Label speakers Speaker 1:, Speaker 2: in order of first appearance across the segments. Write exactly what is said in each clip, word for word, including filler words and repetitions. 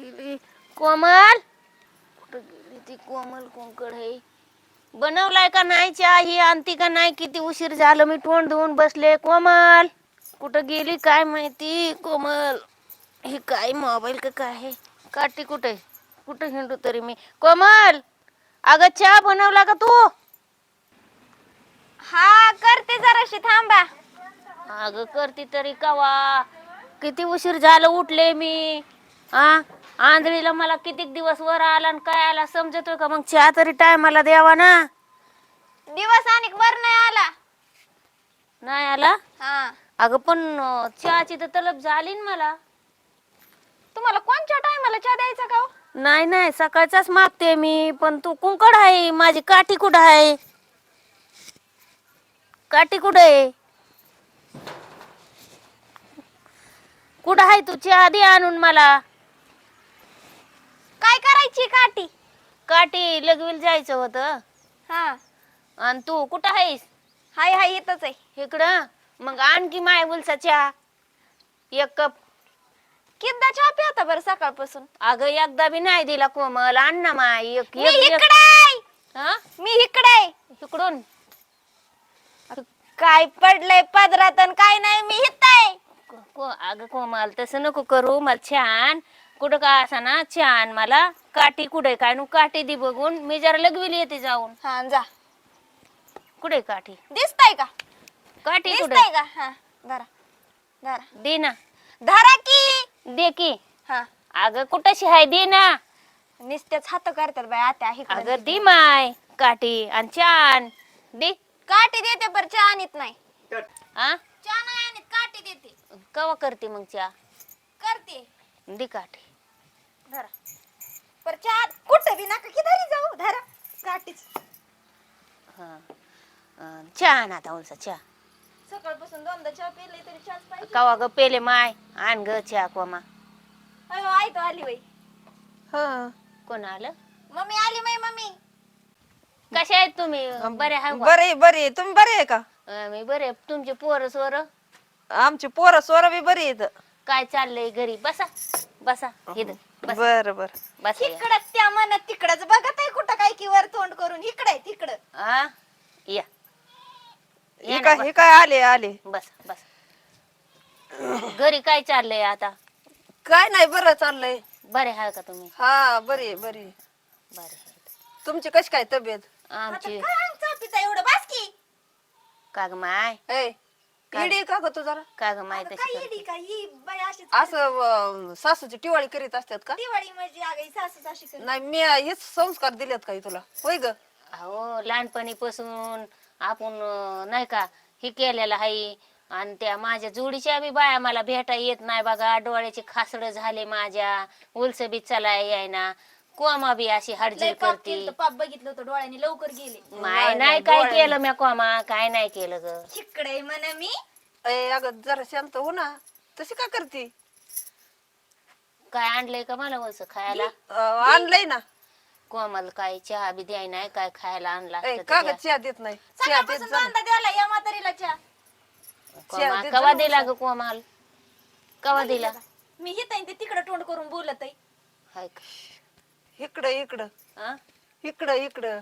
Speaker 1: गेली कोमल? कुठं गेली ती कोमल? कोणकड आहे? बनवलाय का नाही चहा? ही आणती का नाही? किती उशीर झालं, मी तोंड धुवून बसले. कोमल कुठं गेली काय माहिती? कोमल हे काय मोबाईल का काय आहे? काठी कुठे? कुठं हिंडू तरी मी? कोमल अगं चहा बनवला का तू?
Speaker 2: हा करते, जराशी थांबा.
Speaker 1: अगं करते तरी कवा? किती उशीर झालं, उठले मी. आ आंधळीला मला किती दिवस वर आला आणि काय आला समजतोय का? मग चहा तरी टायमाला द्यावा ना.
Speaker 2: दिवस आणि वर नाही आला.
Speaker 1: नाही आला?
Speaker 2: हा,
Speaker 1: अगं पण चहाची तर तलब झाली ना मला.
Speaker 2: तुम्हाला कोणत्या टायमाला चहा द्यायचा का हो?
Speaker 1: नाही नाही, सकाळचाच मागते मी. पण तू कुंकड आहे, माझी काठी कुठं आहे? काठी कुठं आहे? कुठं आहे तू? चहा दे आणून मला.
Speaker 2: काय करायची काठी?
Speaker 1: काठी लगवील जायचं होतं.
Speaker 2: हा,
Speaker 1: आणि तू कुठं आहेस?
Speaker 2: हाय हाय येतच आहे.
Speaker 1: इकडं मग आणखी माय बोलसा चहा एक कप.
Speaker 2: किती चहा पिता बरं सकाळपासून?
Speaker 1: अगं एकदा बी नाही दिला कोमल. आण ना माय एक
Speaker 2: मी
Speaker 1: एक एक.
Speaker 2: इकडे आहे.
Speaker 1: हा
Speaker 2: मी इकडे आहे.
Speaker 1: इकडून
Speaker 2: काय पडलंय पदरात आणि काय नाही, मी इथं आहे.
Speaker 1: को अगं कोमल तसं नको करू. मला छान कुठं का असा ना छान मला काठी कुठे काय नु काठी दे बघून. मी जरा लगविली येते जाऊन.
Speaker 2: हा जा.
Speaker 1: कुठे काठी?
Speaker 2: दिसताय का?
Speaker 1: काठी कुठे?
Speaker 2: दिसताय का? हा धरा धरा.
Speaker 1: दे ना.
Speaker 2: धरा की.
Speaker 1: दे की.
Speaker 2: हा,
Speaker 1: अगं कुठशी आहे? दे ना.
Speaker 2: नुसतेच हात करतात बाय आत्या. इकडं
Speaker 1: अगं दे माय काठी आणि छान दे.
Speaker 2: काठी देते पर चहा आणत नाही.
Speaker 1: आ
Speaker 2: चहा नाही आणत, काठी देते.
Speaker 1: कवा करते मग चहा?
Speaker 2: करते.
Speaker 1: दे काठी.
Speaker 2: धरा. पर चहा कुठं बी नका की धरी जाऊ. धरा काठीच.
Speaker 1: हा अं, छान आता उलसा चहा.
Speaker 2: सकाळपासून दोनदा चहा पिले तरी चहाच पाहिजे.
Speaker 1: कवा ग पेले माय? आण ग चहा कोमा.
Speaker 2: अयो आई तो आली बाई.
Speaker 1: हा कोण आलं?
Speaker 2: मम्मी आली माय. मम्मी
Speaker 1: कशा आहेत तुम्ही? बरे आहे का?
Speaker 3: बरे बरे. तुम्ही बरे आहे का?
Speaker 1: अं, मी बरे. तुमचे पोरं सोर
Speaker 3: आमची पोरं सोरा बी बरी आहेत.
Speaker 1: काय चाललंय घरी? बसा बसा इथं बसा.
Speaker 3: बर बर.
Speaker 1: बसा या.
Speaker 2: इकडं त्या मनात तिकडच बघत आहे कुठं काय की वर तोंड करून. इकडे तिकडं.
Speaker 1: हा या
Speaker 3: हे काय हे काय आले आले.
Speaker 1: बस बस. घरी काय चाललंय आता?
Speaker 3: काय नाही बरं चाललंय.
Speaker 1: बरे आहे का तुम्ही?
Speaker 3: हा बरी बरी.
Speaker 1: बरे
Speaker 3: तुमची कशी काय तब्येत?
Speaker 1: आमची
Speaker 2: काय चहा पिता एवढं बास की.
Speaker 1: का ग माय?
Speaker 3: ए इडी का ग तू जरा?
Speaker 1: का ग माय तशी
Speaker 2: काय
Speaker 1: करते?
Speaker 2: येडी का ही बाई अशीच
Speaker 3: असं अं, सासूची टिवाळी करीत असतात का?
Speaker 2: दिवाळी म्हणजे आगाई सासू अशी करते.
Speaker 3: नाही मी हेच संस्कार दिलेत काही तुला होय ग?
Speaker 1: अहो लहानपणीपासून आपण अं, नाही का हे केलेलं आहे. आणि त्या माझ्या जोडीच्या बी बाया मला भेटा येत नाही बघा. डोळ्याचे खासड झाले माझ्या. उलस बी चलाय यायना. कोमा बी अशी
Speaker 2: लय
Speaker 1: हडजल
Speaker 2: पाप
Speaker 1: करते.
Speaker 2: केलं पाप बघितलं होतं डोळ्याने लवकर गेले.
Speaker 1: माय नाही काय केलं म्या कोमा? काय नाही केलं ग?
Speaker 2: इकडे म्हणे मी.
Speaker 3: ए अगं जरा शांत हो ना. तशी का करते?
Speaker 1: काय आणलंय का मला वस खायला?
Speaker 3: अं, आणलंय ना.
Speaker 1: कोमल काय चहा बी द्याय नाही काय खायला आणला
Speaker 3: ए
Speaker 1: असतं
Speaker 3: का
Speaker 1: तर
Speaker 3: ग
Speaker 1: द्या.
Speaker 3: चहा देत नाही? चहा देत
Speaker 2: सकाळपासून
Speaker 3: जा ना.
Speaker 2: दोनदा द्याला या म्हातारीला चहा.
Speaker 1: कोमा
Speaker 3: देत
Speaker 1: कवा
Speaker 3: जा
Speaker 1: दिला ग कोमाल? कवा दिला?
Speaker 2: मी हित आहे ते तिकडे तोंड करून बोलत आहे.
Speaker 1: हाय का?
Speaker 3: इकडं इकडं
Speaker 1: हा?
Speaker 3: इकडं इकडं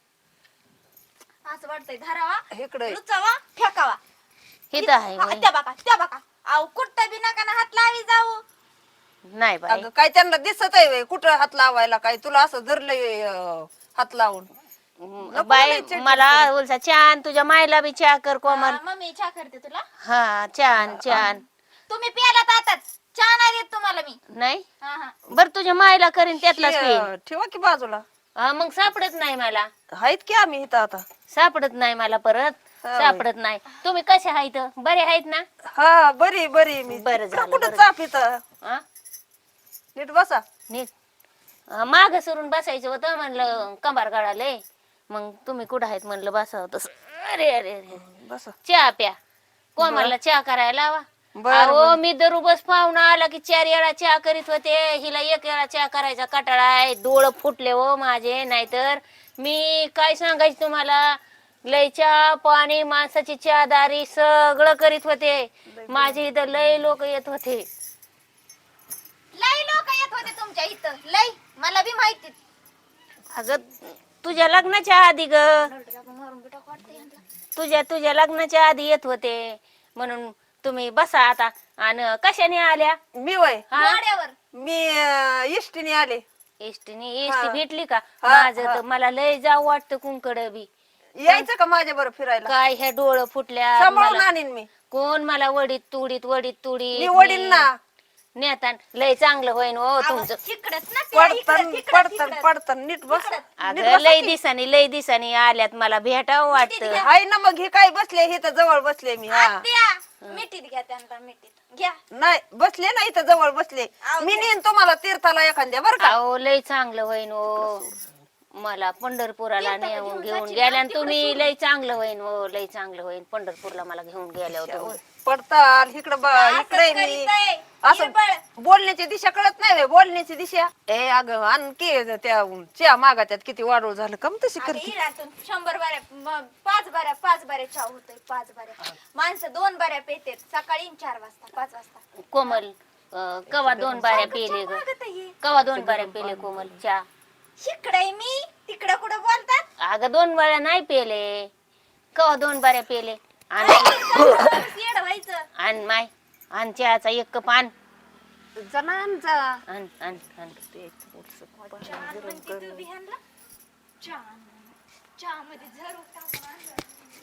Speaker 2: असं वाटतंय धरावा
Speaker 3: इकडं
Speaker 2: लुचावा फेकावा.
Speaker 1: हिथं आहे
Speaker 2: हा,
Speaker 1: होय.
Speaker 2: त्या बघा त्या बघा. अहो कुठं बी नका ना हात लावी जाऊ.
Speaker 1: नाही बाई.
Speaker 3: अगं काय त्यांना दिसत आहे व्हय? कुठं हात लावायला काय तुला असं धरलंय अं, हात लावून? नको
Speaker 1: बाई
Speaker 3: लय चिडचिड
Speaker 1: मला बोलसा छान तुझ्या मायला बी चहा कर कोमल.
Speaker 2: हा, मम्मी चहा करते तुला.
Speaker 1: हा छान छान.
Speaker 2: तुम्ही प्यालात आताच. चहा नाही देत तुम्हाला मी.
Speaker 1: नाही
Speaker 2: हा हा.
Speaker 1: बर तुझ्या मायला करीन त्यातलाच पिईन.
Speaker 3: हे, ठेवा की बाजूला.
Speaker 1: हा, मग सापडत नाही मला.
Speaker 3: आहेत की आम्ही इथं आता.
Speaker 1: सापडत नाही मला परत.
Speaker 3: हा,
Speaker 1: सापडत नाही. तुम्ही कसे आहेत? बरे आहेत ना?
Speaker 3: हा बरी बरी मी
Speaker 1: बरं झालं,
Speaker 3: कुठं
Speaker 1: बरं.
Speaker 3: चाप इथं
Speaker 1: हा?
Speaker 3: नीट बसा.
Speaker 1: नीट माग सरून बसायचं होतं म्हणलं कंबार गाळाले. मग तुम्ही कुठं आहेत म्हणलं बसावं तसं. अरे अरे अरे
Speaker 3: बसा.
Speaker 1: चहा प्या. कोमलला चहा करायला लावा.
Speaker 3: बरं,
Speaker 1: अहो मी दरुबस पाहुणा आला की चार वेळा चहा करीत होते. हिला एक वेळा चहा करायचा कटाळा आहे. डोळ फुटले हो माझे. नाहीतर मी काय सांगायचं तुम्हाला. लय चहा पाणी माणसाची चहादारी सगळं करीत होते. माझे इथं लय लोक येत होते.
Speaker 2: लई लोक येत होते तुमच्या इथं. माहिती
Speaker 1: अगं तुझ्या लग्नाच्या आधी ग
Speaker 2: मारून बिटा वाटते यांना.
Speaker 1: तुझ्या तुझ्या लग्नाच्या आधी येत होते म्हणून तुम्ही बसा आता. आणि कशाने आल्या?
Speaker 3: मी वय
Speaker 1: हा
Speaker 2: गाड्यावर
Speaker 3: मी अं, इष्टीने आले.
Speaker 1: एसटीने एसटी भेटली का?
Speaker 3: हा,
Speaker 1: माझं
Speaker 3: हा.
Speaker 1: तर मला लय जाऊ वाटतं कुंकड बी.
Speaker 3: यायचं का माझ्या बरं फिरायला?
Speaker 1: काय ह्या डोळं फुटल्या
Speaker 3: सांभाळून
Speaker 1: मला.
Speaker 3: आणीन मी.
Speaker 1: कोण मला वडीत तुडीत वडीत तुडीत
Speaker 3: मी वडील ना.
Speaker 1: नेतान लय चांगलं होईन हो तुमचं.
Speaker 2: तिकडच ना त्या इकडं,
Speaker 3: पडतन
Speaker 2: तिकडं,
Speaker 3: पडतन
Speaker 2: तिकडं.
Speaker 3: पडतन नीट बस. नीट
Speaker 1: अगं
Speaker 3: बसा
Speaker 1: लय
Speaker 3: की.
Speaker 1: दिसानी लय दिसानी आल्यात मला भेटावं वाटतं.
Speaker 3: हाय ना मग हे काय बसले हे तर जवळ बसले मी. हा
Speaker 2: आत्या, मिठीत घ्या त्यांना मिठीत घ्या.
Speaker 3: नाही बसले ना इथं जवळ बसले. मी नेईन तुम्हाला तीर्थाला एखाद्या बरं का.
Speaker 1: अहो लय चांगलं होईन हो. मला पंढरपुराला नेऊन घेऊन गेल्या आणि तुम्ही लय चांगलं होईन हो. लय चांगलं होईन पंढरपूरला मला घेऊन गेल्या तुम्ही.
Speaker 3: पडताल इकडं ब- इकडे मी
Speaker 2: करीतय.
Speaker 3: असं बोलण्याची दिशा कळत नाही व्हय, बोलण्याची दिशा. ए अगं आणखी त्या चहा मागात्यात किती वाढव झालं कम तशी
Speaker 2: आता
Speaker 3: करते.
Speaker 2: इरातून शंभर बाऱ्या म- पाच बाऱ्या पाच बाऱ्या चहा होतोय पाच बाऱ्या माणसं दोन बाऱ्या पेतेत सकाळी आणि चार वाजता पाच वाजता
Speaker 1: कोमल अं, कवा दोन बाऱ्या पेले ग?
Speaker 2: मागत आहे.
Speaker 1: कवा दोन बाऱ्या पेले कोमल चहा?
Speaker 2: इकडे मी तिकडे कुठं बोलतात
Speaker 1: अगं दोन बाऱ्या नाही पेले. कवा दोन बाऱ्या पेले? आणि
Speaker 2: येड व्हायचं
Speaker 1: आण माय आण चहाचा एक कप आण
Speaker 3: जणांचा
Speaker 1: आण आण आण.
Speaker 2: चहा म्हणते तू बिहानला चहा चहा मध्ये झर होता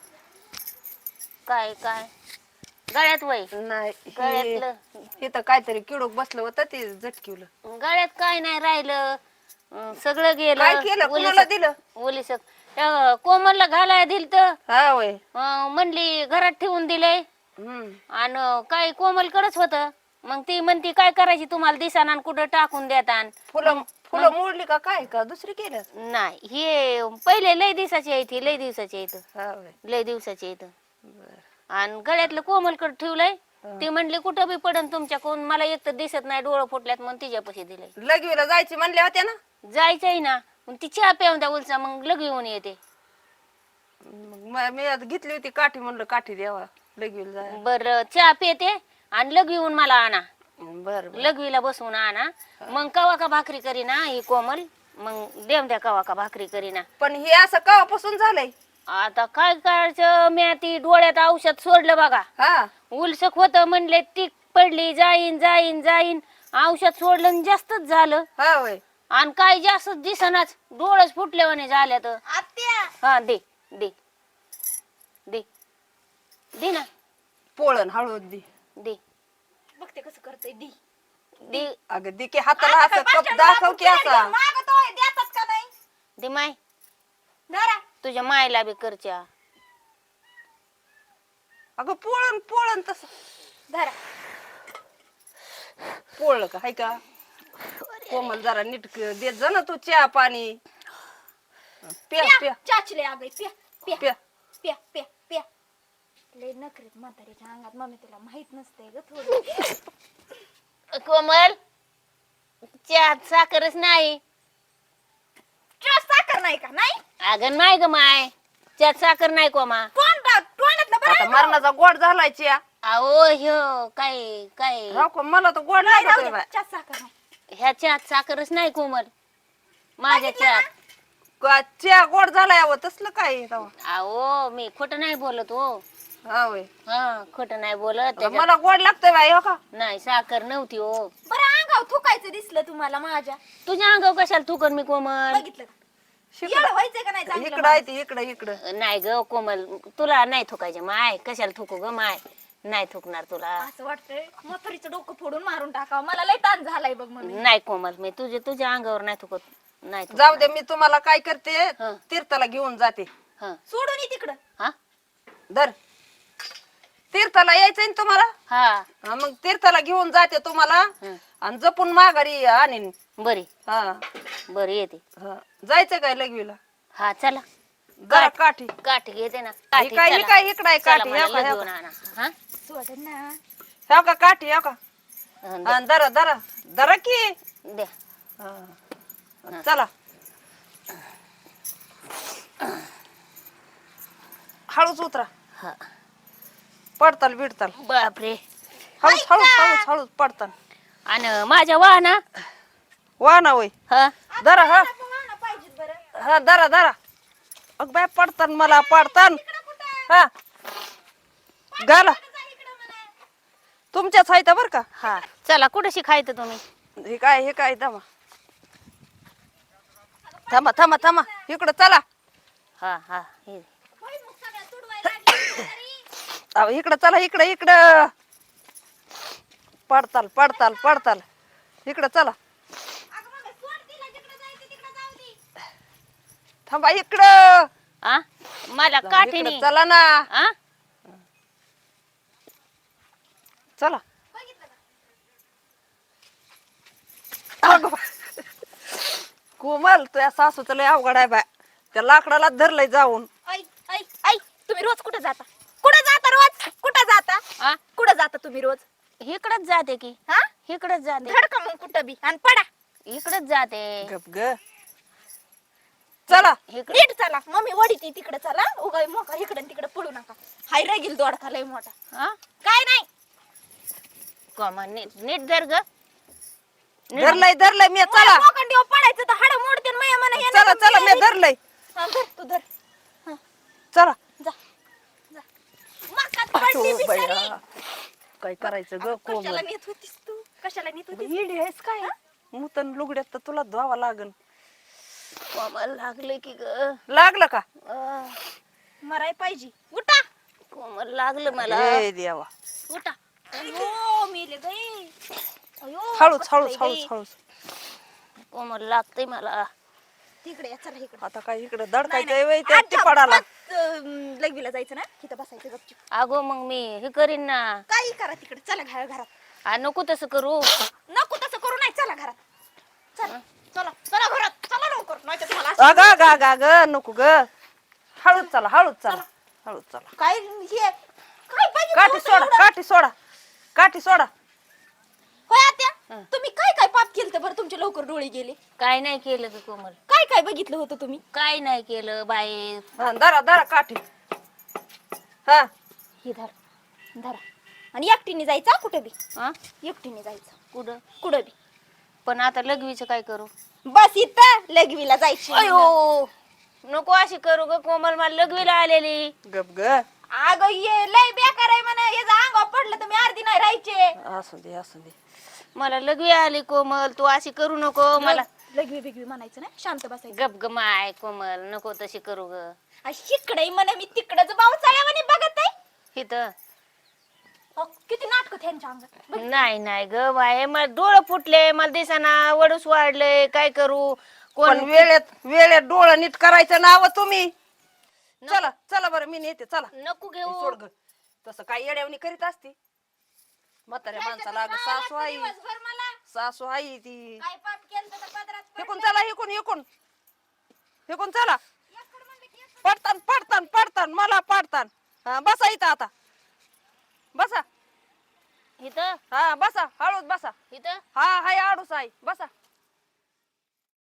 Speaker 1: काय काय गळ्यात वय
Speaker 3: नाही
Speaker 1: गळ्यातलं
Speaker 3: इथं काहीतरी किडूक बसलं होतं ते झटकिवलं.
Speaker 1: गळ्यात काय नाही राहिलं. अं, सगळं गेलं.
Speaker 3: काय केलं कुणाला दिलं?
Speaker 1: ओलीस कोमलला घालाय दिल तर
Speaker 3: हा वय
Speaker 1: म्हणली घरात ठेवून दिलंय.
Speaker 3: हम्म
Speaker 1: आणि काय कोमलकडेच होत. मग ती म्हणती काय करायची तुम्हाला दिसाना आणि कुठं टाकून देतान.
Speaker 3: फुलं फुलं मोडली का काय का दुसरी केल्या?
Speaker 1: नाही हे पहिले लय दिवसाची आहे ती लय दिवसाची आहे इथं.
Speaker 3: हा वय
Speaker 1: लय दिवसाची आहे इथं. आणि गळ्यातलं कोमलकडे ठेवलंय. ती म्हणली कुठं बी पडन तुमच्या कोण मला एक तर दिसत नाही डोळं फुटल्यात म्हणून तिच्यापाशी दिलंय.
Speaker 3: लगवीला जायची म्हणल्या होत्या ना.
Speaker 1: जायचंय ना मग ती चहा प्याऊन द्या उलचा मग लग येऊन येते.
Speaker 3: मग म- मी आता घेतली होती काठी म्हणलं काठी द्यावा लगवीला जाय.
Speaker 1: बर चहा पेते आणि लग येऊन मला आणा.
Speaker 3: बर
Speaker 1: लघवीला बसवून आणा. मग कवा का भाकरी करीना ही कोमल. मग देव द्या कवा का भाकरी करीना.
Speaker 3: पण हे असं कवापासून झालंय?
Speaker 1: आता काय करायचं मी ती डोळ्यात औषध सोडलं बघा.
Speaker 3: हा
Speaker 1: उलसक होत म्हणले ती पडली जाईन जाईन जाईन औषध सोडलं आणि जास्तच झालं.
Speaker 3: हा वय
Speaker 1: आणि काय जास्त दिसनाच डोळच फुटल्यावाने झाल्या तर.
Speaker 2: आत्या
Speaker 1: हा दे दे दे दे ना
Speaker 3: पोळण हळद दी.
Speaker 1: दे
Speaker 2: बघते कसं करतोय दी
Speaker 1: दे
Speaker 3: अगं दे की हाताला असं कप दाखव की असा.
Speaker 2: मागतोय देतात का नाही
Speaker 1: दे माय
Speaker 2: धरा
Speaker 1: तुझ्या मायला बी करच्या.
Speaker 3: अगं पोळण पोळण तस
Speaker 2: धरा
Speaker 3: पोळलं का हाय का? कोमल जरा नीट देत जा ना तू चहा पाणी. प्या प्या
Speaker 2: चाचले आगे प्या प्या
Speaker 3: प्या.
Speaker 2: प्या प्या प्या लय नखरेत म्हातारीच्या अंगात मम्मी तुला माहित नसते ग थोडं.
Speaker 1: कोमल चहात साखरच नाही.
Speaker 2: चहा साखर नाही का नाही
Speaker 1: अगं नाही ग माय चहात साखर नाही कोमा.
Speaker 2: तोंड तोंडातलं
Speaker 3: आता
Speaker 2: बरं
Speaker 3: मरणाचा गोड झालाय चहा.
Speaker 1: अहो ह्यो काय काय
Speaker 3: हो का मला तर गोड
Speaker 2: नाही
Speaker 3: लागतोय
Speaker 2: राहू
Speaker 3: बाय.
Speaker 2: दे, चहा साखर नाही
Speaker 1: ह्या चहात साखरच नाही कोमल माझ्या चहात.
Speaker 3: का चहा गोड झालाय अहो तसलं काय आहे तेव्हा?
Speaker 1: अहो मी खोटं नाही बोलत हो.
Speaker 3: हा वय
Speaker 1: हा खोटं नाही बोलत.
Speaker 3: आता
Speaker 1: त्याच्यात
Speaker 3: मला गोड लागतंय बाई हो का?
Speaker 1: नाही साखर नव्हती हो.
Speaker 2: बरं अंगाव थुकायचं दिसलं तुम्हाला माझ्या
Speaker 1: तुझ्या अंगावर कशाला थुकन मी कोमल.
Speaker 2: बघितलं का? एवढं व्हायचंय का नाही चांगलं
Speaker 3: इकडं आहे ती इकडं इकडं.
Speaker 1: नाही ग कोमल तुला नाही थुकायचे माय कशाला थुकू ग माय. नाही थुकणार तुला.
Speaker 2: असं वाटतंय म्हातारीचं डोकं फोडून मारून टाकावं मला लय ताण झालाय बघ मम्मी
Speaker 1: नाही कोमल मी तुझ्या तुझ्या अंगावर नाही थुकत. नाही थुकत.
Speaker 3: जाऊ दे मी तुम्हाला काय करते
Speaker 1: हं.
Speaker 3: तीर्थाला घेऊन जाते.
Speaker 1: हा
Speaker 2: सोडून ये तिकडं
Speaker 1: हा
Speaker 3: धर तीर्थाला यायचंय ना तुम्हाला.
Speaker 1: हा
Speaker 3: हा, मग तीर्थाला घेऊन जाते तुम्हाला
Speaker 1: हं.
Speaker 3: आणि जपून माघारी आणीन.
Speaker 1: बरी
Speaker 3: हा
Speaker 1: बरी येते.
Speaker 3: हा. जायचं काय लगवीला?
Speaker 1: हा चला
Speaker 3: जरा काठी
Speaker 1: काठी घेते ना.
Speaker 3: ही
Speaker 1: काठी
Speaker 3: काय ही
Speaker 1: चला.
Speaker 3: काय इकडं आहे
Speaker 1: चला
Speaker 3: काठी
Speaker 1: मला
Speaker 3: ह्या का, ह्या
Speaker 1: लगेच
Speaker 3: का?
Speaker 1: आणा. हा?
Speaker 2: सोड ना
Speaker 3: ह्या का काठी ह्या का?
Speaker 1: हं,
Speaker 3: हा, धरा धरा धरा की.
Speaker 1: द्या.
Speaker 3: हा. चला हळूच उतरा.
Speaker 1: हा.
Speaker 3: पडताल बिडताल
Speaker 1: बापरे.
Speaker 3: हळूच हळूच हळूच हळूच पडताल.
Speaker 1: आणि माझ्या वाहना
Speaker 3: वा ना वय
Speaker 1: हा
Speaker 3: धरा हा
Speaker 2: वाहनं पाहिजेत बरं.
Speaker 3: हा धरा धरा. अग बाय पडतान मला पडतान. हा घाला
Speaker 2: जा इकडं म्हणा.
Speaker 3: तुमच्याच आहेत बर का.
Speaker 1: हा चला कुठं शिकायचं तुम्ही?
Speaker 3: हे काय हे काय थांबा थांबा थांबा थांबा इकडं चला.
Speaker 1: हा हा हे
Speaker 2: होय, मग सगळ्या तुडवायला लागली तरी.
Speaker 3: अहो, इकडं चला इकडं इकडं पडताल पडताल पडताल इकडं चला.
Speaker 2: अगं मग सोड तिला, जिकडं जायचं तिकडं जाऊ दे.
Speaker 3: थांबा इकडं
Speaker 1: आ मला
Speaker 3: इकडं
Speaker 1: काठीने
Speaker 3: चला ना
Speaker 1: आ
Speaker 3: चला.
Speaker 2: बघितलं का?
Speaker 3: अगं बाई. कोमल तुझ्या सासूचं लय अवघड आहे बाय. त्या लाकडाला धरलंय जाऊन.
Speaker 2: ऐ ऐ ऐ तुम्ही रोज कुठं जाता? कुठं जाता रोज? कुठं जाता?
Speaker 1: आ
Speaker 2: कुठं जाता तुम्ही रोज?
Speaker 1: इकडच जाते की
Speaker 2: हा?
Speaker 1: इकडच जाते
Speaker 2: धडका मग कुठं बी आणि पडा.
Speaker 1: इकडच जाते
Speaker 3: गप ग चला.
Speaker 1: इकडे
Speaker 2: नीट चला. मम्मी वडीती तिकडे चला. उगा मोका इकडे तिकडे पळू नका. हाय रागील दोडका लय मोठा.
Speaker 1: हा
Speaker 2: काय नाही.
Speaker 1: कोमा नीट नीट धर ग नीट.
Speaker 3: धरलंय धरलंय मी चला.
Speaker 2: मोकंडीवर पडायचं तर हाड मोडते मया म्हणा हे
Speaker 3: चला
Speaker 2: नका
Speaker 3: चला
Speaker 2: मी
Speaker 3: मी धरलंय.
Speaker 2: हा, धर तू धर.
Speaker 3: चला.
Speaker 2: जा जा. मकात पडली
Speaker 3: अहो,
Speaker 2: बिचारी.
Speaker 3: बया. काय करायचं ग कोमल.
Speaker 2: कशाला नेत होतीस तू? कशाला नेत होतीस?
Speaker 3: येडी आहेस काय मुतन लुगड्यात तर तुला धुवावा लागन.
Speaker 1: कोमल लागले की ग
Speaker 3: लागलं का?
Speaker 1: अं,
Speaker 2: मराय पाहिजे. उठा.
Speaker 1: कोमल लागलं मला
Speaker 3: ए देवा.
Speaker 1: उठा
Speaker 2: अयो मेले गई. अयो
Speaker 3: हळूच
Speaker 2: बसलंय
Speaker 3: हळूच
Speaker 2: गई.
Speaker 3: हळूच हळूच.
Speaker 1: कोमल लागते मला
Speaker 2: तिकडे या, चला इकडे.
Speaker 3: आता काय इकडे
Speaker 2: नाही,
Speaker 3: दडकायचंय
Speaker 2: नाही.
Speaker 3: वय त्या
Speaker 2: आता
Speaker 3: टिपाडाला.
Speaker 2: पाच, अं, लगवीला जायचं ना तिथं बसायचं गपचूप.
Speaker 1: अगो मग मी हे करीन ना
Speaker 2: काही करा तिकडे. चला घरा घरात.
Speaker 1: आ, नको तसं करू
Speaker 2: नको तसं करू नाही. चला घरात. चला चला चला घरात. चला लवकर नाही तर तुम्हाला असं-
Speaker 3: अगा गा गा ग नको ग. हळूच चला हळूच चला हळूच चला.
Speaker 2: काय हे काय पाहिजे
Speaker 3: काठी
Speaker 2: होतं
Speaker 3: सोडा
Speaker 2: एवढं?
Speaker 3: काठी सोडा काठी सोडा.
Speaker 2: होय आत्या
Speaker 1: हं.
Speaker 2: तुम्ही काय काय पाप केलं तर बरं तुमचे लवकर डोळे गेले?
Speaker 1: काय नाही केलं ग कोमल
Speaker 2: काय काय बघितलं होतं तुम्ही?
Speaker 1: काय नाही केलं बाई
Speaker 3: हा धरा धरा काठी. हा
Speaker 2: हे धरा धरा. आणि एकटीने जायचं हा कुठे बी.
Speaker 1: हा
Speaker 2: एकटीने जायचं
Speaker 1: कुठं
Speaker 2: कुठं बी.
Speaker 1: पण आता लगवीचं काय करू
Speaker 2: बस इथं लगवीला जायची.
Speaker 1: अयो नको अशी करू ग कोमल मला लगवीला आलेली
Speaker 3: गप ग.
Speaker 2: अगं ये लय बेकार आहे म्हणा. याचा अंगावर पडलं तर मी अर्धी नाही राहायचे.
Speaker 3: असू दे असू दे.
Speaker 1: मला लगवी आली कोमल तू अशी करू नको मला
Speaker 2: लगवी बिगवी म्हणायचं ना. शांत बसायचं.
Speaker 1: गप ग माय कोमल नको तशी करू ग
Speaker 2: इकडे म्हणा मी तिकडच पावसाळ्यावानी बघत आहे.
Speaker 1: इथं
Speaker 2: अहो, किती नाटक त्यांच्या अंगात.
Speaker 1: नाही नाही ग बाय मला डोळं फुटले मला दिसाना वडूस वाढले काय करू
Speaker 3: पण
Speaker 1: कोण
Speaker 3: वेळेत वेळेत डोळं नीट करायचं नाव तुम्ही. चला चला बरं मी नेते चला.
Speaker 1: नको
Speaker 3: हे
Speaker 1: घेऊ
Speaker 3: सोड ग. तसं काय येड्यावणी करीत असते म्हाताऱ्या माणसाला अगं सासू आई
Speaker 2: दिवसभर मला
Speaker 3: सासू आई ती.
Speaker 2: काय पाप केलं तर पदरात
Speaker 3: हेकून चला हेकून हेकून हेकून चला.
Speaker 2: एकड म्हणलं की एकड.
Speaker 3: पडतान पडतान पडतान मला पडतान. हा बसा इथं आता बसा.
Speaker 1: इथं
Speaker 3: हा बसा हळूच बसा.
Speaker 1: इथं
Speaker 3: हा हाय आडूस आहे बसा.